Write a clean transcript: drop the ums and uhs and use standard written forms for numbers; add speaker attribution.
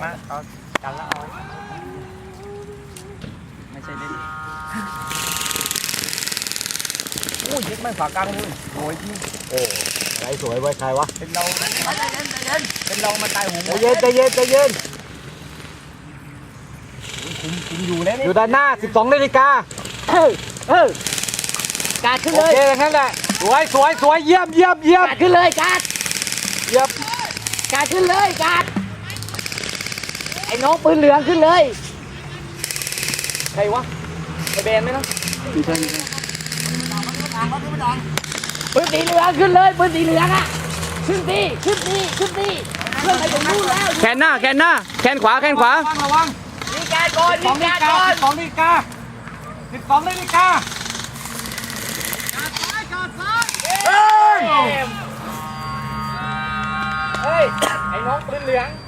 Speaker 1: ละเอากันละเอาไม่ใช่เล่นโอ้ยยึดไม่ฝากกลางเลยสวยจริง
Speaker 2: โอ้อะไรสวยไว้ใครวะ
Speaker 1: เป็นเราเป็นเรามาตายหู
Speaker 2: ใจเย็นใจเย็นใจเย็น
Speaker 1: คุมอยู่แล้ว
Speaker 2: อ
Speaker 1: นี่
Speaker 2: ยู่ด้านหน้า 12 นาฬิกา
Speaker 3: การขึ้น
Speaker 2: โอ
Speaker 3: เลย
Speaker 2: เคนั่นแหละสวยสวยสวยเยี่ยมเยี่ยมเยี่ยม
Speaker 3: การขึ้นเลยการ
Speaker 2: เยี่ยม
Speaker 3: การขึ้นเลยการไอ้น้องปืนเหลืองขึ้นเลย
Speaker 1: ใครวะไอเบนไหมนะ
Speaker 3: ปืนสีเหลืองขึ้นเลยปืนสีเหลืองอ่ะขึ้นดีขึ้นดีขึ้นดีเพื่อนไปตรงนู้นแล้ว
Speaker 1: แขนหน้าแขนหน้าแขนขวาแขนขวา
Speaker 2: ระวัง
Speaker 3: มีการก่อนมีการก่อน
Speaker 2: 12 นาฬิกา 12 นาฬิกา
Speaker 1: เฮ้ยไอ้น้องปืนเหลือง